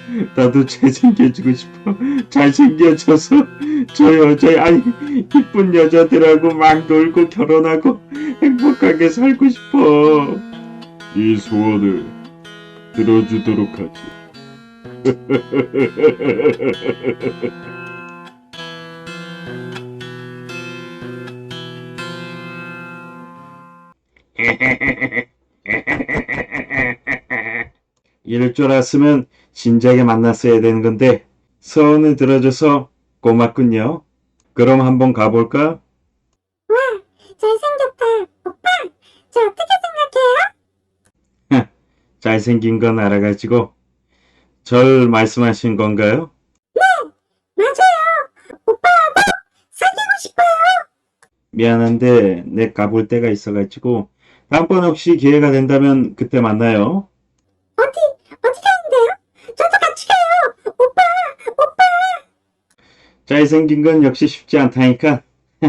나도 잘생겨지고 싶어. 잘생겨져서 저 여자, 아니, 이쁜 여자들하고 막 놀고 결혼하고 행복하게 살고 싶어. 네 소원을 들어주도록 하지. 이럴 줄 알았으면 진작에 만났어야 되는 건데 소원을 들어줘서 고맙군요. 그럼 한번 가볼까? 와, 잘생겼다. 오빠, 저 어떻게 생각해요? 잘생긴 건 알아가지고 절 말씀하신 건가요? 맞아요. 오빠하고 사귀고 싶어요. 미안한데 내 가볼 데가 있어가지고 다음번에 혹시 기회가 된다면 그때 만나요. 어디 가는데요? 저도 같이 가요. 오빠, 오빠. 잘생긴 건 역시 쉽지 않다니까.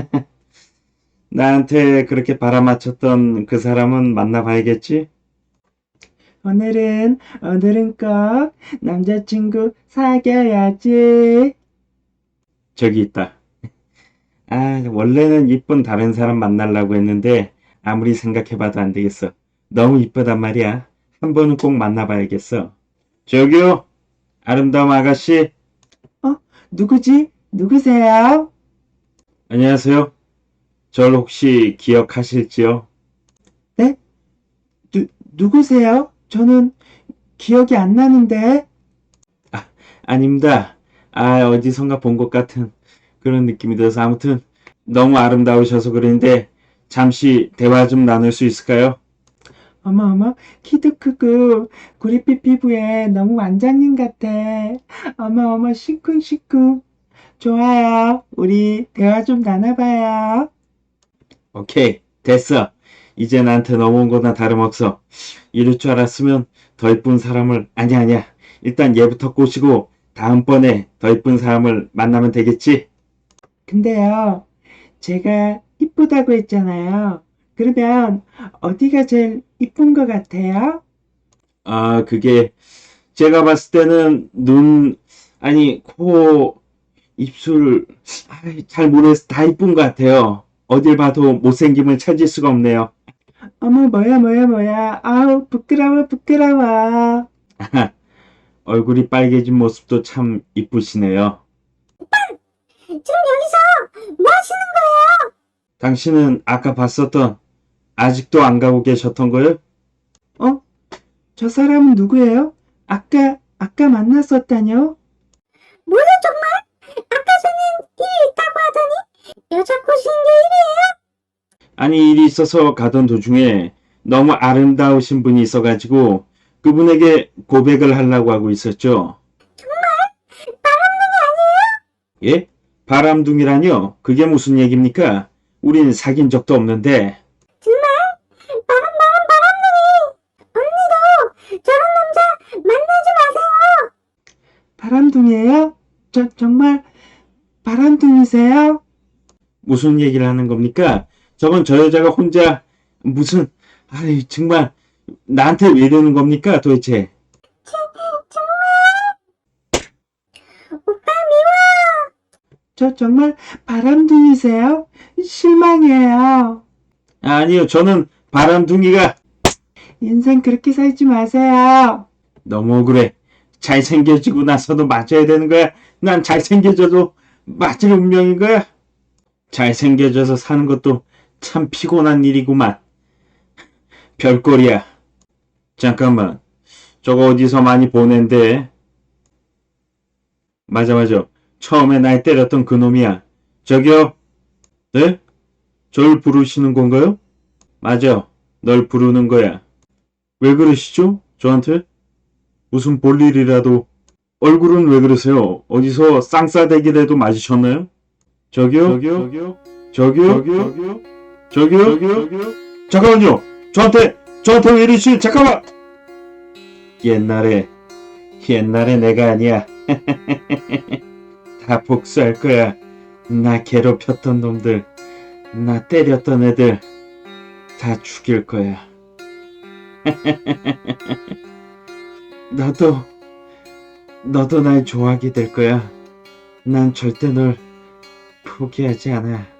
나한테 그렇게 바라맞혔던 그 사람은 만나봐야겠지? 오늘은 꼭 남자친구 사귀어야지. 저기 있다. 아, 원래는 이쁜 다른 사람 만나려고 했는데 아무리 생각해봐도 안 되겠어. 너무 이쁘단 말이야. 한 번은 꼭 만나봐야겠어. 저기요, 아름다운 아가씨. 누구지? 누구세요? 안녕하세요. 절 혹시 기억하실지요? 네? 누구세요? 저는 기억이 안 나는데. 아닙니다. 어디선가 본 것 같은 그런 느낌이 들어서 아무튼 너무 아름다우셔서 그러는데 잠시 대화 좀 나눌 수 있을까요? 어머, 키도 크고 구릿빛 피부에 너무 완장님 같아. 어머, 시쿵시쿵. 좋아요. 우리 대화 좀 나눠봐요. 오케이, 됐어. 이제 나한테 넘어온 거나 다름없어. 이럴 줄 알았으면 더 이쁜 사람을, 아니야. 일단 얘부터 꼬시고 다음번에 더 이쁜 사람을 만나면 되겠지? 근데요, 제가 이쁘다고 했잖아요. 그러면 어디가 제일 이쁜 것 같아요? 그게 제가 봤을 때는 눈, 아니, 코, 입술, 잘 모르겠어. 다 이쁜 것 같아요. 어딜 봐도 못생김을 찾을 수가 없네요. 어머, 뭐야. 아우, 부끄러워. 얼굴이 빨개진 모습도 참 이쁘시네요. 지금 여기서 뭐 하시는 거예요? 당신은 아까 봤었던, 아직도 안 가고 계셨던 거요? 어? 저 사람은 누구예요? 아까 만났었다뇨? 뭐야 정말? 아까 전엔 일이 있다고 하더니 여자 꼬시는 게 일이에요? 아니, 일이 있어서 가던 도중에 너무 아름다우신 분이 있어가지고 그분에게 고백을 하려고 하고 있었죠. 바람둥이 아니에요? 예? 바람둥이라뇨? 그게 무슨 얘기입니까? 우린 사귄 적도 없는데. 정말? 바람둥이. 언니도 저런 남자 만나지 마세요. 바람둥이에요? 정말 바람둥이세요? 무슨 얘기를 하는 겁니까? 저건 저 여자가 혼자 무슨, 정말 나한테 왜 이러는 겁니까 도대체? 오빠 미워. 정말 바람둥이세요? 실망이에요. 아니요, 저는 바람둥이가. 인생 그렇게 살지 마세요. 너무 억울해. 잘생겨지고 나서도 맞아야 되는 거야? 난 잘생겨져도 맞을 운명인 거야? 잘생겨져서 사는 것도 참 피곤한 일이구만. 별꼴이야. 잠깐만. 저거 어디서 많이 보낸데? 맞아. 처음에 날 때렸던 그 놈이야. 저기요? 네? 절 부르시는 건가요? 맞아. 널 부르는 거야. 왜 그러시죠? 저한테? 무슨 볼일이라도. 얼굴은 왜 그러세요? 어디서 쌍싸대기라도 맞으셨나요? 저기요? 저기요? 잠깐만요! 저한테 왜 이러시? 잠깐만! 옛날에 내가 아니야. 다 복수할 거야. 나 괴롭혔던 놈들, 나 때렸던 애들, 다 죽일 거야. 너도 너도 날 좋아하게 될 거야. 난 절대 널 포기하지 않아.